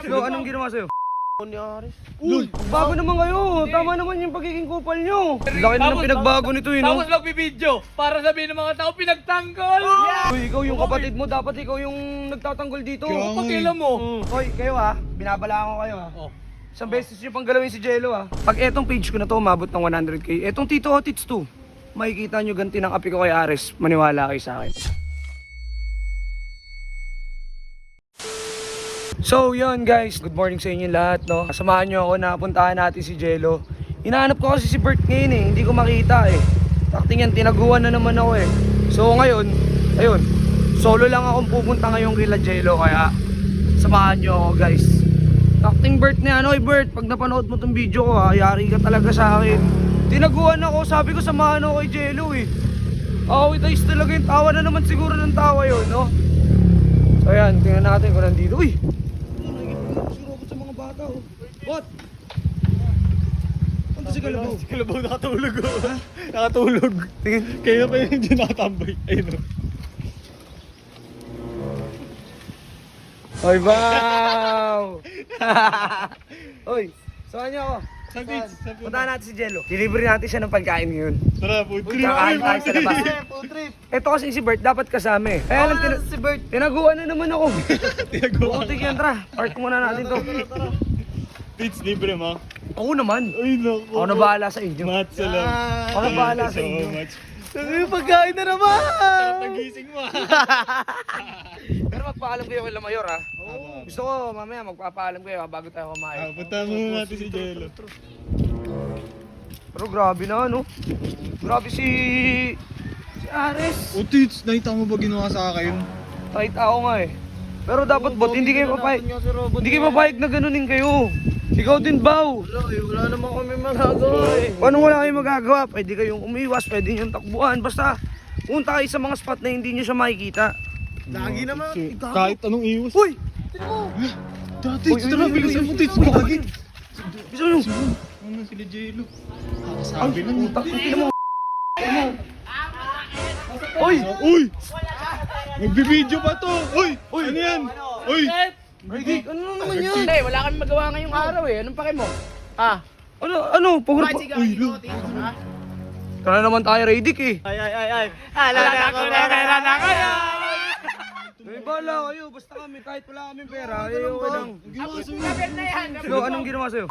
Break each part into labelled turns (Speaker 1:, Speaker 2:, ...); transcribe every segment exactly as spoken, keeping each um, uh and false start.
Speaker 1: So, anong ginawa sa'yo?
Speaker 2: Ni Aris.
Speaker 1: Uy, bago naman kayo. Tama naman yung pagiging kupal nyo. Laki na ng pinagbago nito yun, no?
Speaker 3: Tapos magbibideo para sabihin ng mga tao pinagtanggol.
Speaker 1: Uy, ikaw yung kapatid mo. Dapat ikaw yung nagtatanggol dito.
Speaker 3: Pakialam mo.
Speaker 1: Hoy, kayo ha. Binabalaan ko kayo ha.
Speaker 3: Oh.
Speaker 1: Isang beses nyo pang galawin si Jello ha. Pag etong page ko na to umabot ng one hundred K, etong Tito Hotits two, makikita nyo ganti ng api ko kay Ares. Maniwala kayo sa akin. So yun guys, good morning sa inyo lahat, no? Samahan nyo ako na puntahan natin si Jello. Hinahanap ko kasi si Bert ngayon eh, hindi ko makita eh. Takting yan, tinaguan na naman ako eh. So ngayon, ayun, solo lang akong pupunta ngayong kila Jello, kaya samahan nyo ako guys. Takting Bert na ano eh Bert, pag napanood mo tong video ko ha, yari ka talaga sa akin. Tinaguan ako, sabi ko samahan ako kay Jello eh. Awit ayos talaga yung tawa na naman siguro ng tawa yun, no? So ayan, tingnan natin kung nandito. Uy! Surobot sa mga bata oh. What? Ano si Kalabaw?
Speaker 2: Si Kalabaw nakatulog oh. Ha? Nakatulog.
Speaker 1: Tingin.
Speaker 2: Kaya pa yung dyan nakatambay. Ayun oh.
Speaker 1: Oy, wow! Oy, saan niyo ako?
Speaker 2: Sa beach. Sa beach.
Speaker 1: Puntahan natin si Jello. Delivery natin siya ng pagkain ngayon.
Speaker 2: Tara, food trip.
Speaker 1: Kakain tayo sa labas.
Speaker 2: Food trip.
Speaker 1: Ito kasi si Bert, dapat kasama eh. Kaya lang, tina-
Speaker 2: Si Bert.
Speaker 1: tinaguan na naman ako.
Speaker 2: Tinagawa.
Speaker 1: Bukutik yan, tara. Park muna natin to.
Speaker 2: Beach libre mo.
Speaker 1: Ako naman.
Speaker 2: Ay naku.
Speaker 1: Ako na bahala sa inyo.
Speaker 2: Mat salam.
Speaker 1: Ako na bahala sa
Speaker 2: Thank you
Speaker 1: inyo.
Speaker 2: so much. Yung pagkain na naman! Nagising mo
Speaker 1: Pero magpaalam kayo kay Mayor ha.
Speaker 2: Oo.
Speaker 1: Gusto ko mamaya magpapaalam kayo ha, bago tayo
Speaker 2: Ah,
Speaker 1: kumain.
Speaker 2: punta muna natin si Jello.
Speaker 1: Pero grabe na no. Grabe si... si Ares.
Speaker 2: O Tits, nakita mo ba ginawa sa akin?
Speaker 1: Kahit ako nga eh. Pero dapat bot, hindi kayo papayag. Hindi kayo papayag na ganunin kayo. Ikaw din, Bao.
Speaker 2: Wala eh, wala naman kami magagawa eh.
Speaker 1: Paano wala kayong magagawa? Pwede kayong umiwas, pwede nyo takbuhan. Basta, punta kayo sa mga spot na hindi nyo siya makikita.
Speaker 2: Lagi naman. Kahit anong iwas.
Speaker 1: Uy!
Speaker 2: Dati,
Speaker 1: Uy, uy,
Speaker 2: tara,
Speaker 1: uy,
Speaker 2: bilisan
Speaker 1: uy,
Speaker 2: mo
Speaker 1: uy,
Speaker 2: Tits.
Speaker 1: uy,
Speaker 2: Lagi.
Speaker 1: Bisa nyo!
Speaker 2: Ano sila Jello? Kakasabi na niya.
Speaker 1: Putak, tingnan mo. Uy!
Speaker 2: Uy! Nagbibideo pa to! Uy! Uy! Ano yan? Uy!
Speaker 1: Ridik, ano naman yan?
Speaker 3: Hindi, wala kami magawa ngayong araw eh. Anong pake mo? Ah.
Speaker 1: Ano, ano? Pagod pa.
Speaker 2: Uy, lo!
Speaker 1: Tara naman tayo, Ridik eh.
Speaker 2: Ay, ay, ay, ay! Ala
Speaker 3: Wala na ako na pera na kayo!
Speaker 1: May bala kayo, basta kami, kahit wala kaming pera, eh, okay lang.
Speaker 2: Ginawa sa'yo!
Speaker 3: Kapit na yan!
Speaker 1: So, anong ginawa sa'yo?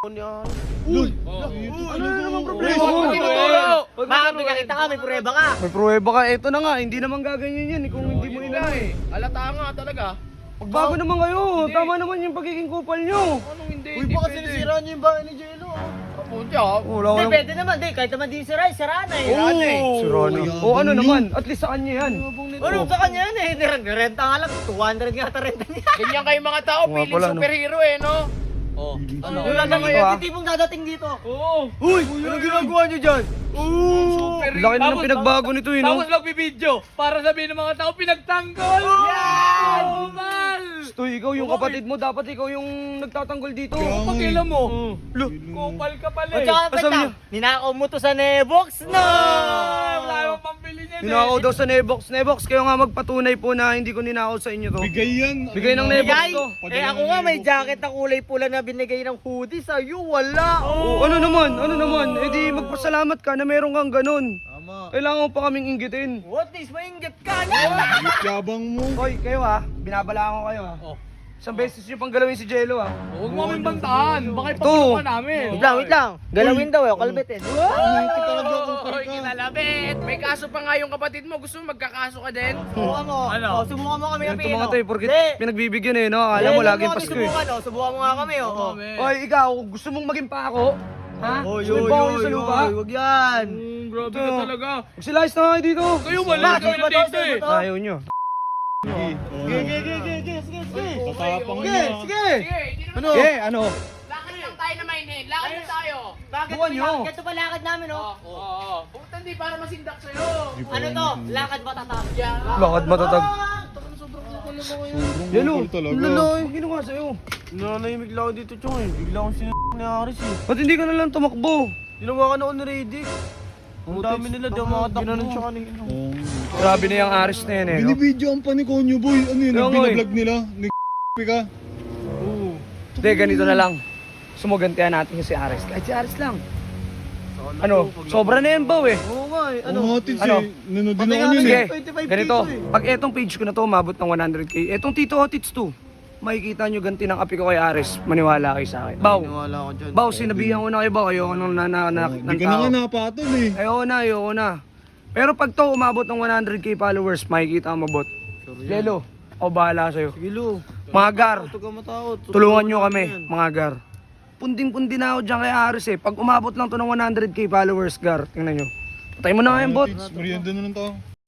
Speaker 2: Uy!
Speaker 1: Ano na naman problema?
Speaker 3: Bakit may nakita ka? May prueba ka?
Speaker 1: May pruweba ka, eto na nga, hindi naman gaganyan yan eh, kung hindi mo inano eh.
Speaker 3: Alata nga talaga.
Speaker 1: Magbago naman kayo, tama naman yung pagiging kupal nyo.
Speaker 3: Anong hindi?
Speaker 2: Uy, baka sinisiraan niyo yung bahay ni Jello ah!
Speaker 3: Kapunti ah.
Speaker 1: Wala ko
Speaker 4: Hindi,
Speaker 1: lang.
Speaker 4: pwede naman, di. Kahit naman di si Rai, sira na eh.
Speaker 1: Si Ronnie. O ano naman, at least sa kanya yan.
Speaker 4: Ano sa kanya yan eh, nirenta nga lang, two hundred nga ata renta niya.
Speaker 3: Ganyan kayo mga tao,
Speaker 1: Nga
Speaker 3: feeling
Speaker 1: pala, no?
Speaker 3: superhero eh, no? Oh. Ano?
Speaker 4: Wala
Speaker 1: ano
Speaker 4: na
Speaker 1: ito, ah?
Speaker 4: yung tipong dadating dito.
Speaker 3: Oo.
Speaker 1: Uy, ano ginagawa nyo dyan?
Speaker 3: Super
Speaker 1: Laki na ng
Speaker 3: Tapos-
Speaker 1: pinagbago nito eh, no?
Speaker 3: Tapos magbibideo para sabihin ng mga tao pinagtanggol. Yan! Oh, man!
Speaker 1: Stoy, ikaw yung kapatid mo, dapat ikaw yung nagtatanggol dito.
Speaker 3: Pakialam mo. Kupal ka pala
Speaker 4: O
Speaker 3: eh.
Speaker 4: tsaka
Speaker 1: Asabi
Speaker 4: peta,
Speaker 1: niyo.
Speaker 4: ninakaw mo to sa Nebox, no!
Speaker 3: Wala yung pambili niyan eh.
Speaker 1: Ninakaw daw sa Nebox. Nebox, kayo nga magpatunay po na hindi ko ninakaw sa inyo to.
Speaker 2: Bigay yan!
Speaker 1: Bigay ng Nebox
Speaker 4: Bigay!
Speaker 1: to.
Speaker 4: Eh ako nga may jacket na kulay pula na binigay ng hoodie sa'yo, wala.
Speaker 1: Oh, ano naman, ano naman, eh di magpasalamat ka na meron kang ganun.
Speaker 2: Tama!
Speaker 1: Kailangan mo pa kaming inggitin.
Speaker 4: What is mainggit ka niya?
Speaker 2: Yabang mo!
Speaker 1: Hoy, kayo ha, binabalaan ko kayo ha.
Speaker 3: Oh.
Speaker 1: Isang beses nyo pang galawin si Jello ha.
Speaker 3: Huwag mo kaming bantaan. Baka
Speaker 1: Ito.
Speaker 3: ipagpapaan namin.
Speaker 4: Wait lang, wait lang. Galawin daw eh, kalbitin.
Speaker 2: Ito talaga kung
Speaker 3: Oy,
Speaker 2: parang
Speaker 3: kinalabit. May kaso pa nga yung kapatid mo. Gusto mo magkakaso ka din?
Speaker 4: Subukan mo.
Speaker 3: Ano?
Speaker 4: Oh, subukan mo kami ng
Speaker 1: Ganito
Speaker 4: pino.
Speaker 1: mga to eh, porkit
Speaker 4: Hindi.
Speaker 1: pinagbibigyan eh, no? Alam mo,
Speaker 4: Eh, huwag
Speaker 1: laging
Speaker 4: mo kami
Speaker 1: Pasko eh.
Speaker 4: Subukan, oh. Subukan mo nga kami, oh. oh.
Speaker 1: Hoy, ikaw, gusto mong maging pako? Ha?
Speaker 4: Oy,
Speaker 1: Gusto mong pako nyo sa lupa?
Speaker 4: Wag yan.
Speaker 3: Mm, grabe
Speaker 1: Ito.
Speaker 3: ka talaga.
Speaker 1: Magsilayas na kayo dito.
Speaker 3: Kayo wala
Speaker 4: Bakit
Speaker 3: kayo
Speaker 4: ba to?
Speaker 3: dito eh.
Speaker 4: Saan ba to?
Speaker 1: Ayaw nyo.
Speaker 2: Sige,
Speaker 4: Sige, sige, sige, sige, sige, sige.
Speaker 2: tatapang
Speaker 4: Sige,
Speaker 2: niya!
Speaker 4: sige.
Speaker 3: Sige, hindi naman.
Speaker 4: Ano?
Speaker 1: Eh, ano?
Speaker 3: Lakad lang tayo na mainin. Lakad lang tayo.
Speaker 4: Bakit
Speaker 1: Buwan
Speaker 4: may
Speaker 1: nyo.
Speaker 4: lakad? Ganito pa lakad namin,
Speaker 3: Oo,
Speaker 4: oh.
Speaker 3: oo, oo. Puta, hindi para masindak sa'yo.
Speaker 4: Ano to? Lakad matatap.
Speaker 3: Yan.
Speaker 1: Lakad matatag.
Speaker 2: Sobrang
Speaker 1: Yan o.
Speaker 2: bukol talaga!
Speaker 1: Laloy. Ang ginawa sa'yo.
Speaker 2: Nanahimik lang ako dito, Chong eh. Bigla akong sin*** ni Aris eh.
Speaker 1: Ba't hindi ka na lang tumakbo?
Speaker 2: Ginawa ka na ako ni Radic. Ang dami nila daw mga takbo. Ginanon siya kanina.
Speaker 1: Grabe na yung Aris na yan eh, no?
Speaker 2: Binibidyoan pa ni Konyo Boy. Ano yun?
Speaker 1: Kaya nga eh.
Speaker 2: Binablog nila. Nag*** ka.
Speaker 1: Hindi, ganito na lang. Sumugantihan natin yung si Ares. Kahit si Ares lang. Ano, sobra na yan, Baw eh.
Speaker 2: Oo nga eh.
Speaker 5: Ano?
Speaker 2: Ano?
Speaker 5: Mga tits
Speaker 1: Ano?
Speaker 5: eh. Nanood din
Speaker 2: Pati
Speaker 5: ako
Speaker 2: nga
Speaker 5: nun
Speaker 2: rin.
Speaker 1: Sige,
Speaker 5: eh.
Speaker 2: twenty-five K
Speaker 1: ganito.
Speaker 2: to eh.
Speaker 1: Pag etong page ko na to, umabot ng one hundred K. Etong Tito Otits to. Makikita nyo ganti ng api ko kay Ares. Maniwala kayo sa akin. Baw,
Speaker 2: Naniwala ako dyan.
Speaker 1: Baw, sinabihan ko na kayo, Baw. Ayoko nang nananak
Speaker 5: Di
Speaker 1: ng
Speaker 5: ka na
Speaker 1: tao.
Speaker 5: nga napatol eh.
Speaker 1: Ayoko na, ayoko na. Pero pag to umabot ng one hundred K followers, makikita mo bot. Jello, ako bahala sa'yo.
Speaker 2: Sige, Lu.
Speaker 1: Mga gar,
Speaker 2: Huwag ka matakot.
Speaker 1: tulungan nyo
Speaker 2: natin
Speaker 1: kami,
Speaker 2: yan.
Speaker 1: mga gar. Punding-pundi na ako dyan kay Ares eh. Pag umabot lang to ng one hundred K followers, gar, tingnan nyo. Patay mo na nga yung bot.
Speaker 5: Mga tits, merienda na lang to.